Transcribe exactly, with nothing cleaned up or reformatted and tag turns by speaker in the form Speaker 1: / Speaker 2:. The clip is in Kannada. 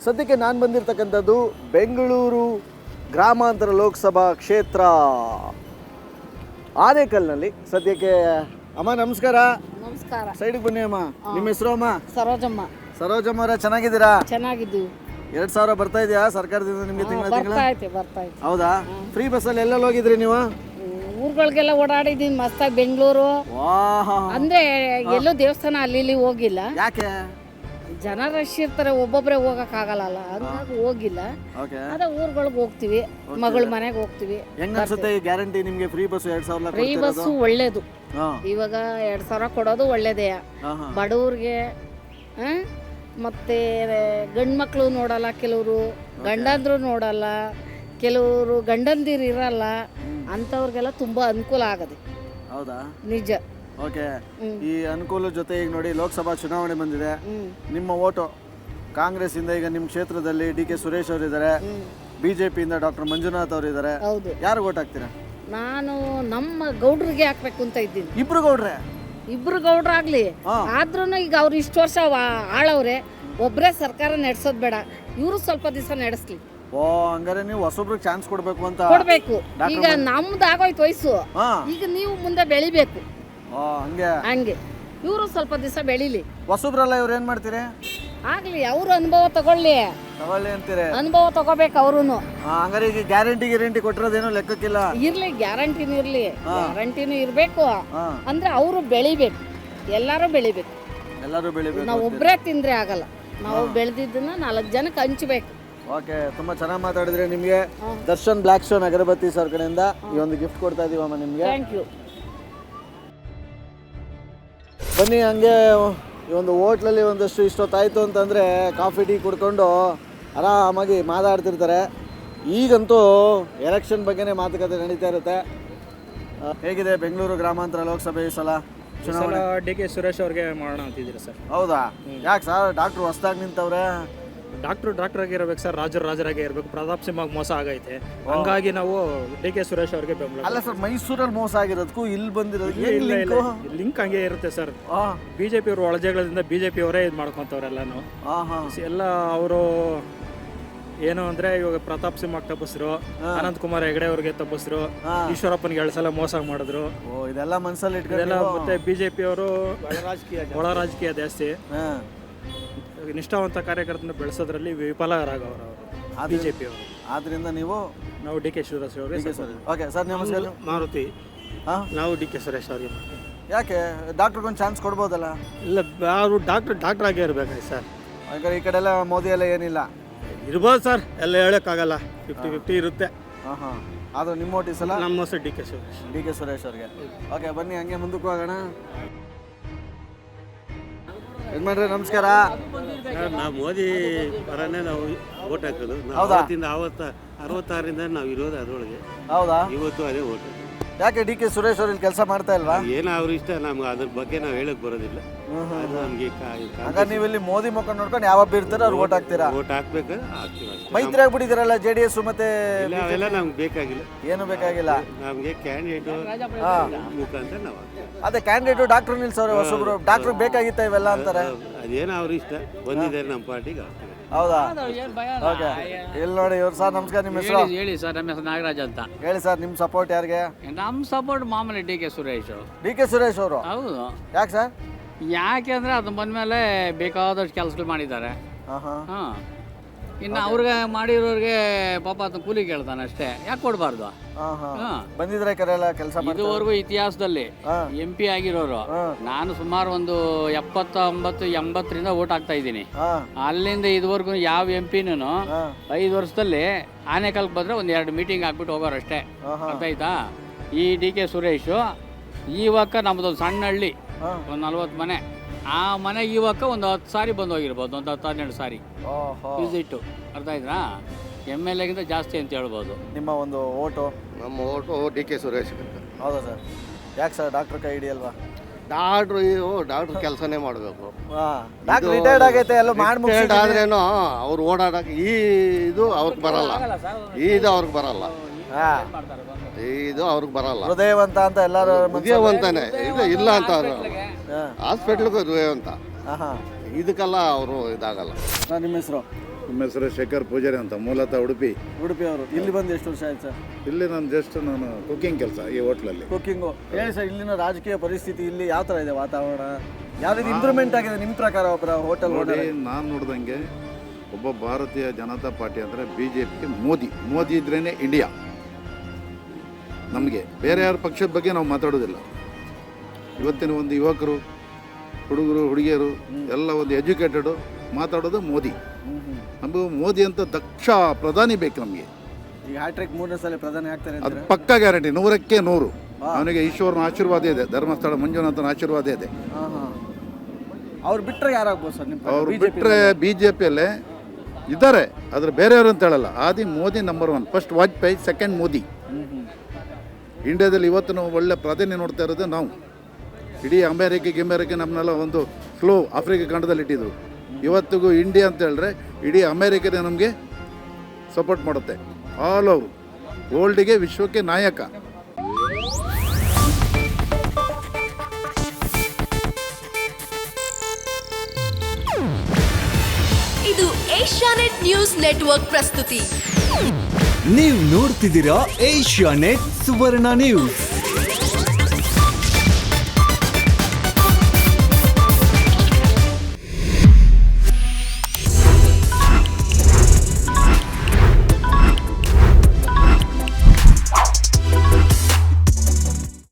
Speaker 1: ಸದ್ಯಕ್ಕೆ ನಾನು ಬಂದಿರತಕ್ಕಂಥದ್ದು ಬೆಂಗಳೂರು ಗ್ರಾಮಾಂತರ ಲೋಕಸಭಾ ಕ್ಷೇತ್ರ ಆನೇಕಲ್ನಲ್ಲಿ. ಸದ್ಯಕ್ಕೆ ಅಮ್ಮ ನಮಸ್ಕಾರ.
Speaker 2: ನಮಸ್ಕಾರ.
Speaker 1: ಸೈಡಿಗೆ ಬನ್ನಿ ಅಮ್ಮ. ನಿಮ್ಮ ಹೆಸರು ಅಮ್ಮ?
Speaker 2: ಸರೋಜಮ್ಮ.
Speaker 1: ಸರೋಜಮ್ಮ ಅವರೇ, ಚೆನ್ನಾಗಿದ್ದೀರಾ?
Speaker 2: ಚೆನ್ನಾಗಿದ್ದೀವಿ.
Speaker 1: ಎರಡ್ ಸಾವಿರ ಬರ್ತಾ ಇದೆಯಾ ಸರ್ಕಾರದಿಂದ ನಿಮಗೆ ತಿಂಗಳ ತಿಂಗಳ?
Speaker 2: ಬರ್ತಾ ಐತೆ ಬರ್ತಾ ಐತೆ.
Speaker 1: ಹೌದಾ? ಫ್ರೀ ಬಸ್ಸಲ್ಲಿ ಎಲ್ಲೆಲ್ಲಿ ಹೋಗಿದ್ರಿ ನೀವು?
Speaker 2: ಊರುಗಳಿಗೆಲ್ಲ ಓಡಾಡಿದೀನಿ ಮಸ್ತಾಗಿ. ಬೆಂಗಳೂರು
Speaker 1: ವಾಹ್,
Speaker 2: ಅಂದ್ರೆ ಎಲ್ಲೂ ದೇವಸ್ಥಾನ ಅಲ್ಲಿ ಇಲ್ಲಿ ಹೋಗಿಲ್ಲ.
Speaker 1: ಯಾಕೆ?
Speaker 2: ಜನ ರಶ್ ಇರ್ತಾರೆ, ಒಬ್ಬೊಬ್ಬರೇ ಹೋಗಕ್ ಆಗಲ್ಲ, ಹಂಗಾಗಿ ಹೋಗಿಲ್ಲ.
Speaker 1: ಓಕೆ.
Speaker 2: ಅದೇ ಊರುಗಳಿಗೆ ಹೋಗ್ತೀವಿ, ಮಗಳ ಮನೆಗೆ ಹೋಗ್ತೀವಿ.
Speaker 1: ಹೆಂಗ್ ಅನ್ಸುತ್ತೆ ಈ ಗ್ಯಾರಂಟಿ ನಿಮ್ಗೆ? ಫ್ರೀ ಬಸ್ ಎರಡ್ ಸಾವಿರ
Speaker 2: ಫ್ರೀ ಬಸ್ಸು ಒಳ್ಳೇದು. ಇವಾಗ ಎರಡ್ ಸಾವಿರ ಕೊಡೋದು ಒಳ್ಳೇದೇ. ಬಡವ್ರಿಗೆ ಮತ್ತೆ ಗಂಡು ಮಕ್ಕಳು ನೋಡಲ್ಲ, ಕೆಲವರು ಗಂಡಂದ್ರು ನೋಡಲ್ಲ, ಕೆಲವರು ಗಂಡಂದಿರು ಇರಲ್ಲ, ಅಂಥವ್ರಿಗೆಲ್ಲ ತುಂಬಾ ಅನುಕೂಲ ಆಗದೆ.
Speaker 1: ಹೌದಾ?
Speaker 2: ನಿಜ.
Speaker 1: ಓಕೆ. ಈ ಅನುಕೂಲ ಜೊತೆ ಈಗ ನೋಡಿ ಲೋಕಸಭಾ ಚುನಾವಣೆ ಬಂದಿದೆ. ನಿಮ್ಮ ಓಟು ಕಾಂಗ್ರೆಸ್ ಇಂದ ಈಗ ನಿಮ್ಮ ಕ್ಷೇತ್ರದಲ್ಲಿ ಡಿ ಕೆ ಸುರೇಶ್ ಅವರು ಇದ್ದಾರೆ, ಬಿಜೆಪಿಯಿಂದ ಡಾಕ್ಟರ್ ಮಂಜುನಾಥ್ ಅವರು ಇದ್ದಾರೆ.
Speaker 2: ಹೌದು.
Speaker 1: ಯಾರು ಓಟ್ ಹಾಕ್ತೀರಾ?
Speaker 2: ನಾನು ನಮ್ಮ ಗೌಡ್ರಿಗೆ ಹಾಕ್ಬೇಕು ಅಂತ ಇದ್ದೀನಿ.
Speaker 1: ಇಬ್ರು ಗೌಡ್ರೆ?
Speaker 2: ಇಬ್ರು ಗೌಡ್ರಾಗ್ಲಿ, ಆದ್ರೂ ಈಗ ಅವ್ರು ಇಷ್ಟು ವರ್ಷ ಆಳವ್ರೆ, ಒಬ್ಬರೇ ಸರ್ಕಾರ ನಡೆಸೋದು ಬೇಡ, ಇವರು ಸ್ವಲ್ಪ ದಿವಸ ನಡೆಸ್ಲಿ.
Speaker 1: ಓ, ಹಂಗಾರೆ ನೀವು ಹೊಸೊಬ್ರಿಗೆ ಚಾನ್ಸ್ ಕೊಡ್ಬೇಕು ಅಂತ?
Speaker 2: ಕೊಡ್ಬೇಕು. ಈಗ ನಮ್ದು ಆಗೋಯ್ತು ವಯಸ್ಸು, ಈಗ ನೀವು ಮುಂದೆ ಬೆಳಿಬೇಕು.
Speaker 1: ಹಂಗೆ
Speaker 2: ಹಂಗೆ ಇವರು ಸ್ವಲ್ಪ ದಿವಸ ಬೆಳಿಲಿ.
Speaker 1: ಹೊಸಬ್ರಲ್ಲ, ಇವ್ರು ಏನ್ ಮಾಡ್ತೀರಿ?
Speaker 2: ಆಗ್ಲಿ, ಅವರು ಅನುಭವ ತಗೊಳ್ಳಿ.
Speaker 1: ತಗೊಳ್ಳಿ ಅಂತೀರಿ?
Speaker 2: ಅನುಭವ ತಗೋಬೇಕು ಅವ್ರುನು.
Speaker 1: ಹಂಗಾರೆ ಈಗ ಗ್ಯಾರಂಟಿ ಗ್ಯಾರಂಟಿ ಕೊಟ್ಟಿರೋದೇನೋ ಲೆಕ್ಕಕ್ಕಿಲ್ಲ.
Speaker 2: ಇರ್ಲಿ, ಗ್ಯಾರಂಟಿನೂ ಇರ್ಲಿ, ಗ್ಯಾರಂಟಿನೂ ಇರ್ಬೇಕು. ಅಂದ್ರೆ ಅವರು ಬೆಳಿಬೇಕು, ಎಲ್ಲಾರು ಬೆಳಿಬೇಕು.
Speaker 1: ಎಲ್ಲರೂ ಬೆಳಿಬೇಕು.
Speaker 2: ನಾವು ಒಬ್ಬರೇ ತಿಂದ್ರೆ ಆಗಲ್ಲ, ನಾವು ಬೆಳೆದಿದ್ದನ್ನ ನಾಲ್ಕು ಜನಕ್ಕೆ ಹಂಚ್ಬೇಕು.
Speaker 1: ಓಕೆ, ತುಂಬಾ ಚೆನ್ನಾಗಿ ಮಾತಾಡಿದ್ರೆ. ನಿಮಗೆ Darshan Black Stone agarbatti sir ಕಡೆಯಿಂದ ಈ ಒಂದು ಗಿಫ್ಟ್ ಕೊಡ್ತಾ ಇದೀವಮ್ಮ ನಿಮ್ಗೆ.
Speaker 2: Thank you.
Speaker 1: ಬನ್ನಿ, ಹಂಗೆ ಈ ಒಂದು ಹೋಟ್ಲಲ್ಲಿ ಒಂದಷ್ಟು ಇಷ್ಟೊತ್ತಾಯಿತು ಅಂತಂದರೆ ಕಾಫಿ ಟೀ ಕುಡ್ಕೊಂಡು ಆರಾಮಾಗಿ ಮಾತಾಡ್ತಿರ್ತಾರೆ. ಈಗಂತೂ ಎಲೆಕ್ಷನ್ ಬಗ್ಗೆನೇ ಮಾತುಕತೆ ನಡೀತಾ ಇರುತ್ತೆ. ಹೇಗಿದೆ ಬೆಂಗಳೂರು ಗ್ರಾಮಾಂತರ ಲೋಕಸಭೆ ಈ ಸಲ ಚುನಾವಣೆ?
Speaker 3: ಡಿ ಕೆ ಸುರೇಶ್ ಅವ್ರಿಗೆ ಮಾಡೋಣ ಅಂತಿದ್ದೀರಾ ಸರ್?
Speaker 1: ಹೌದಾ? ಯಾಕೆ ಸರ್? ಡಾಕ್ಟ್ರು ಹೊಸ್ದಾಗಿ ನಿಂತವ್ರೆ.
Speaker 3: ಡಾಕ್ಟ್ರು ಡಾಕ್ಟರ್ ಆಗಿ ಇರಬೇಕು ಸರ್, ರಾಜರು ರಾಜರಾಗೆ ಇರಬೇಕು. ಪ್ರತಾಪ್ ಸಿಂಹ ಮೋಸ ಆಗೈತೆ, ಹಂಗಾಗಿ ನಾವು ಡಿ ಕೆ ಸುರೇಶ್ ಅವ್ರಿಗೆ ಬೆಂಬಲ.
Speaker 1: ಅಲ್ಲ ಸರ್, ಮೈಸೂರಲ್ಲಿ ಮೋಸ ಆಗಿರೋದಕ್ಕೂ ಇಲ್ಲಿ ಬಂದಿರೋದು
Speaker 3: ಇಲ್ಲ ಇಲ್ಲ ಲಿಂಕ್ ಹಂಗೆ ಇರುತ್ತೆ ಸರ್. ಬಿಜೆಪಿ ಅವರು ಒಳಜಗಳದಿಂದ ಬಿಜೆಪಿ ಅವರೇ ಇದು ಮಾಡ್ಕೊಂತವ್ರೆಲ್ಲಾನು ಎಲ್ಲ. ಅವರು ಏನು ಅಂದ್ರೆ ಇವಾಗ ಪ್ರತಾಪ್ ಸಿಂಹ ತಪ್ಪಿಸ್ರು, ಅನಂತ್ ಕುಮಾರ್ ಹೆಗಡೆ ಅವ್ರಿಗೆ ತಪ್ಪಿಸ್ರು, ಈಶ್ವರಪ್ಪನಿಗೆ ಎರಡು ಸಲ ಮೋಸ ಮಾಡಿದ್ರು.
Speaker 1: ಇದೆಲ್ಲ ಮನಸ್ಸಲ್ಲಿ ಇಟ್ಕೊಂಡೆಲ್ಲ.
Speaker 3: ಮತ್ತೆ ಬಿಜೆಪಿ ಅವರು ಒಳ ರಾಜಕೀಯ ಜಾಸ್ತಿ, ನಿಷ್ಠಾವಂತ ಕಾರ್ಯಕರ್ತನ ಬೆಳೆಸೋದ್ರಲ್ಲಿ ವಿಫಲರಾಗವರು ಬಿಜೆಪಿ ಅವರು.
Speaker 1: ಆದ್ರಿಂದ ನೀವು
Speaker 3: ನಾವು ಡಿ ಕೆ ಸುರೇಶ್ ಅವರಿಗೆ.
Speaker 1: ಓಕೆ ಸರ್, ನಮಸ್ಕಾರ.
Speaker 3: ಮಾರುತಿ, ನಾವು ಡಿ ಕೆ ಸುರೇಶ್ ಅವರಿಗೆ.
Speaker 1: ಯಾಕೆ? ಡಾಕ್ಟ್ರಿಗೊಂದು ಚಾನ್ಸ್ ಕೊಡ್ಬೋದಲ್ಲ?
Speaker 3: ಇಲ್ಲ, ಅವರು ಡಾಕ್ಟರ್ ಡಾಕ್ಟರ್ ಆಗೇ ಇರ್ಬೇಕಾಗಿ ಸರ್.
Speaker 1: ಹಾಗಾದ್ರೆ ಈ ಕಡೆ ಎಲ್ಲ ಮೋದಿ ಎಲ್ಲ ಏನಿಲ್ಲ
Speaker 3: ಇರ್ಬೋದು ಸರ್, ಎಲ್ಲ ಹೇಳೋಕ್ಕಾಗಲ್ಲ, ಫಿಫ್ಟಿ ಫಿಫ್ಟಿ ಇರುತ್ತೆ.
Speaker 1: ಹಾಂ ಹಾಂ. ಆದರೂ ನಿಮ್ಮ ಓಟ್ ಈ ಸಲ
Speaker 3: ನಮ್ಮ ಹೆಸರು D K Suresh.
Speaker 1: D K Suresh ಅವ್ರಿಗೆ. ಓಕೆ, ಬನ್ನಿ ಹಂಗೆ ಮುಂದಕ್ಕೆ ಹೋಗೋಣ. ಯಜಮಾನ್ರೆ ನಮಸ್ಕಾರ.
Speaker 4: ನಾವು ಮೋದಿ ಪರನೇ ನಾವು ಓಟ್ ಹಾಕೋದು.
Speaker 1: ಹೌದಾ?
Speaker 4: ಅವತ್ತಿಂದ ಅವತ್ತ ಅರವತ್ತಾರರಿಂದ ನಾವು ಇರೋದು ಅದರೊಳಗೆ.
Speaker 1: ಹೌದಾ?
Speaker 4: ಇವತ್ತು ಅದೇ ಓಟ್.
Speaker 1: ಯಾಕೆ ಡಿ ಕೆ ಸುರೇಶ್ ಅವ್ರು ಇಲ್ಲಿ ಕೆಲಸ ಮಾಡ್ತಾ ಇಲ್ವಾ?
Speaker 4: ಏನೋ ಅವ್ರ ಇಷ್ಟ, ನಮ್ಗೆ ಅದ್ರ ಬಗ್ಗೆ ನಾವು ಹೇಳಕ್ ಬರೋದಿಲ್ಲ. ಅದು ನಮಗೆ
Speaker 1: ಹಾಗಾದ್ರೆ ನೀವು ಇಲ್ಲಿ ಮೋದಿ ಮುಖ ನೋಡ್ಕೊಂಡು ಯಾವ ಇರ್ತಾರೆ ಅವ್ರು ಓಟ್ ಹಾಕ್ತೀರಾ?
Speaker 4: ಓಟ್ ಹಾಕ್ಬೇಕು, ಹಾಕ್ತೀವಿ.
Speaker 1: ಮೈತ್ರಿ ಆಗ್ಬಿಟ್ಟಿದಾರಲ್ಲ ಜೆ ಡಿ ಎಸ್ ಮತ್ತೆ?
Speaker 4: ಅವೆಲ್ಲ ನಮ್ಗೆ ಬೇಕಾಗಿಲ್ಲ,
Speaker 1: ಏನು ಬೇಕಾಗಿಲ್ಲ.
Speaker 4: ನಮಗೆ ಕ್ಯಾಂಡಿಡೇಟ್ ಮುಖಾಂತರ ನಾವು
Speaker 1: ಅದೇ ಕ್ಯಾಂಡಿಡೇಟ್ ಡಾಕ್ಟರ್ ನಿಲ್ಸವ್ರೆ ಹೊಸಬ್ರು. ಡಾಕ್ಟರ್ ಬೇಕಾಗಿತ್ತ ಇವೆಲ್ಲ ಅಂತಾರೆ.
Speaker 4: ಅದೇನೋ ಅವ್ರ ಇಷ್ಟ, ಬಂದಿದ್ದಾರೆ ನಮ್ಮ ಪಾರ್ಟಿಗೆ.
Speaker 1: ಹೌದಾ? ಓಕೆ. ಇಲ್ಲಿ ನೋಡಿ ಇವ್ರು. ಸರ್ ನಮಸ್ಕಾರ, ನಿಮ್ಮ ಹೆಸರು
Speaker 5: ಹೇಳಿ ಸರ್? ನಮ್ಮ ಹೆಸರು ನಾಗರಾಜ್ ಅಂತ.
Speaker 1: ಹೇಳಿ ಸರ್, ನಿಮ್ಮ ಸಪೋರ್ಟ್ ಯಾರಿಗೆ?
Speaker 5: ನಮ್ಮ ಸಪೋರ್ಟ್ ಮಾಮೂಲಿ D K Suresh.
Speaker 1: D K Suresh ಅವರು?
Speaker 5: ಹೌದು.
Speaker 1: ಯಾಕೆ ಸರ್?
Speaker 5: ಯಾಕೆ ಅಂದರೆ ಅದು ಬಂದಮೇಲೆ ಬೇಕಾದಷ್ಟು ಕೆಲಸಗಳು ಮಾಡಿದ್ದಾರೆ.
Speaker 1: ಹಾಂ.
Speaker 5: ಇನ್ನು ಅವ್ರಿಗೆ ಮಾಡಿರೋರಿಗೆ ಪಾಪ ಅದು ಕೂಲಿ ಕೇಳ್ತಾನೆ ಅಷ್ಟೇ, ಯಾಕೆ ಕೊಡಬಾರ್ದು?
Speaker 1: ಬಂದಿದ್ರೆ ಕರೆಲ್ಲ ಕೆಲಸ
Speaker 5: ಇದುವರೆಗೂ ಇತಿಹಾಸದಲ್ಲಿ ಎಂ ಪಿ ಆಗಿರೋರು ನಾನು ಸುಮಾರು ಒಂದು ಎಪ್ಪತ್ತೊಂಬತ್ತು ಎಂಬತ್ತರಿಂದ ಓಟ್ ಹಾಕ್ತಾ ಇದ್ದೀನಿ. ಅಲ್ಲಿಂದ ಇದುವರೆಗೂ ಯಾವ ಎಂ ಪಿನೂ ಐದು ವರ್ಷದಲ್ಲಿ ಆನೇಕಲ್ಗೆ ಬಂದರೆ ಒಂದು ಎರಡು ಮೀಟಿಂಗ್ ಹಾಕ್ಬಿಟ್ಟು ಹೋಗೋರು ಅಷ್ಟೇ. ಅರ್ಥ ಆಯ್ತಾ? ಈ ಡಿ ಕೆ ಸುರೇಶು ಇವಾಗ ನಮ್ಮದೊಂದು ಸಣ್ಣ ಹಳ್ಳಿ, ಒಂದು ನಲ್ವತ್ತು ಮನೆ, ಆ ಮನೆಗೆ ಇವಾಗ ಒಂದು ಹತ್ತು ಸಾರಿ ಬಂದು ಹೋಗಿರ್ಬೋದು, ಒಂದು ಹತ್ತು ಹನ್ನೆರಡು ಸಾರಿ ವಿಸಿಟ್ಟು. ಅರ್ಥ ಆಯ್ತಾ? ಎಮ್ ಎಲ್ ಎಗಿಂತ ಜಾಸ್ತಿ ಅಂತ ಹೇಳ್ಬೋದು.
Speaker 1: ನಿಮ್ಮ ಒಂದು ಓಟು?
Speaker 6: ನಮ್ಮ ಓಟು ಡಿ ಕೆ ಸುರೇಶ್.
Speaker 1: ಹೌದಾ ಸರ್? ಯಾಕೆ ಸರ್? ಡಾಕ್ಟ್ರ್ ಕೈ ಹಿಡಿಯಲ್ವಾ?
Speaker 6: ಡಾಕ್ಟ್ರು ಡಾಕ್ಟ್ರು ಕೆಲಸನೇ ಮಾಡಬೇಕು.
Speaker 1: ಡಾಕ್ಟ್ರ್ ರಿಟೈರ್ಡ್ ಆಗೈತೆ, ಎಲ್ಲ ಮಾಡಿ
Speaker 6: ಆದ್ರೇನು ಅವ್ರು ಓಡಾಡಕ್ಕೆ ಈ ಇದು ಅವ್ರಿಗೆ ಬರಲ್ಲ, ಇದು ಅವ್ರಿಗೆ ಬರಲ್ಲ, ಇದು ಅವ್ರಿಗೆ ಬರಲ್ಲ.
Speaker 1: ಹೃದಯವಂತ ಅಂತ ಎಲ್ಲರೂ
Speaker 6: ಹೃದಯವಂತಾನೆ ಇದು ಇಲ್ಲ ಅಂತ ಅವರು ಹಾಸ್ಪಿಟ್ಲ್ಗೆ ಹೃದಯವಂತ, ಇದಕ್ಕೆಲ್ಲ ಅವರು ಇದಾಗಲ್ಲ.
Speaker 1: ನಿಮ್ಮ ಹೆಸರು?
Speaker 7: ನಮ್ಮ ಹೆಸರು ಶೇಖರ್ ಪೂಜಾರಿ ಅಂತ, ಮೂಲತಃ ಉಡುಪಿ.
Speaker 1: ಉಡುಪಿ ಅವರು. ಇಲ್ಲಿ ಬಂದು ಎಷ್ಟು ವರ್ಷ ಆಯ್ತು ಸರ್?
Speaker 7: ಇಲ್ಲಿ ನಾನು ಜಸ್ಟ್ ನಾನು ಕುಕಿಂಗ್ ಕೆಲಸ ಈ ಹೋಟ್ಲಲ್ಲಿ.
Speaker 1: ಕುಕ್ಕಿಂಗು. ಹೇಳಿ ಸರ್, ಇಲ್ಲಿನ ರಾಜಕೀಯ ಪರಿಸ್ಥಿತಿ ಇಲ್ಲಿ ಯಾವ ಥರ ಇದೆ ವಾತಾವರಣ? ಯಾವ ರೀತಿ ಇಂಪ್ರೂವ್ಮೆಂಟ್ ಆಗಿದೆ ನಿಮ್ಮ ಪ್ರಕಾರ ಒಬ್ಬರ ಹೋಟೆಲ್
Speaker 7: ನೋಡಿ, ನಾನು ನೋಡ್ದಂಗೆ ಒಬ್ಬ ಭಾರತೀಯ ಜನತಾ ಪಾರ್ಟಿ ಅಂದರೆ ಬಿ ಜೆ ಪಿಗೆ ಮೋದಿ ಮೋದಿ ಇದ್ರೇ ಇಂಡಿಯಾ. ನಮಗೆ ಬೇರೆ ಯಾರ ಪಕ್ಷದ ಬಗ್ಗೆ ನಾವು ಮಾತಾಡೋದಿಲ್ಲ. ಇವತ್ತಿನ ಒಂದು ಯುವಕರು, ಹುಡುಗರು, ಹುಡುಗಿಯರು ಎಲ್ಲ ಒಂದು ಎಜುಕೇಟೆಡು ಮಾತಾಡೋದು ಮೋದಿ. ನಮಗೂ ಮೋದಿ ಅಂತ ದಕ್ಷ ಪ್ರಧಾನಿ ಬೇಕು ನಮಗೆ.
Speaker 1: ಈಗ ಹ್ಯಾಟ್ರಿಕ್ ಮೂರನೇ ಸಲ ಪ್ರಧಾನಿ ಆಗ್ತಾರೆ
Speaker 7: ಅದು ಪಕ್ಕಾ ಗ್ಯಾರಂಟಿ, ನೂರಕ್ಕೆ ನೂರು. ಅವನಿಗೆ ಈಶ್ವರನ ಆಶೀರ್ವಾದ ಇದೆ, ಧರ್ಮಸ್ಥಳ ಮಂಜುನಾಥನ ಆಶೀರ್ವಾದ ಇದೆ.
Speaker 1: ಅವ್ರು ಬಿಟ್ಟರೆ ಯಾರಾಗ್ಬೋದು ಸರ್ ನಿಮ್ಮ?
Speaker 7: ಅವ್ರು ಬಿಟ್ಟರೆ ಬಿ ಜೆ ಪಿಯಲ್ಲೇ ಇದ್ದಾರೆ, ಆದರೆ ಬೇರೆಯವರು ಅಂತ ಹೇಳಲ್ಲ. ಆದಿ Modi number one, first Vajpayee, second Modi. ಇಂಡಿಯಾದಲ್ಲಿ ಇವತ್ತು ನಾವು ಒಳ್ಳೆ ಪ್ರಾಧಾನ್ಯ ನೋಡ್ತಾ ಇರೋದು ನಾವು. ಇಡೀ ಅಮೇರಿಕೆ ಗಿಮೇರಿಕೆ ನಮ್ಮನ್ನೆಲ್ಲ ಒಂದು ಸ್ಲೋ ಆಫ್ರಿಕಾ ಖಂಡದಲ್ಲಿ ಇಟ್ಟಿದ್ರು. ಇವತ್ತಿಗೂ ಇಂಡಿಯಾ ಅಂತ ಹೇಳಿದ್ರೆ ಇಡೀ ಅಮೇರಿಕನೇ ನಮಗೆ ಸಪೋರ್ಟ್ ಮಾಡುತ್ತೆ. ಆಲ್ ಓವರ್ ವರ್ಲ್ಡಿಗೆ, ವಿಶ್ವಕ್ಕೆ ನಾಯಕ.
Speaker 8: ಇದು ಏಷ್ಯಾನೆಟ್ ನ್ಯೂಸ್ ನೆಟ್ವರ್ಕ್ ಪ್ರಸ್ತುತಿ.
Speaker 9: ನೀವು ನೋಡ್ತಿದ್ದೀರಾ ಏಷ್ಯಾನೆಟ್ ಸುವರ್ಣ ನ್ಯೂಸ್.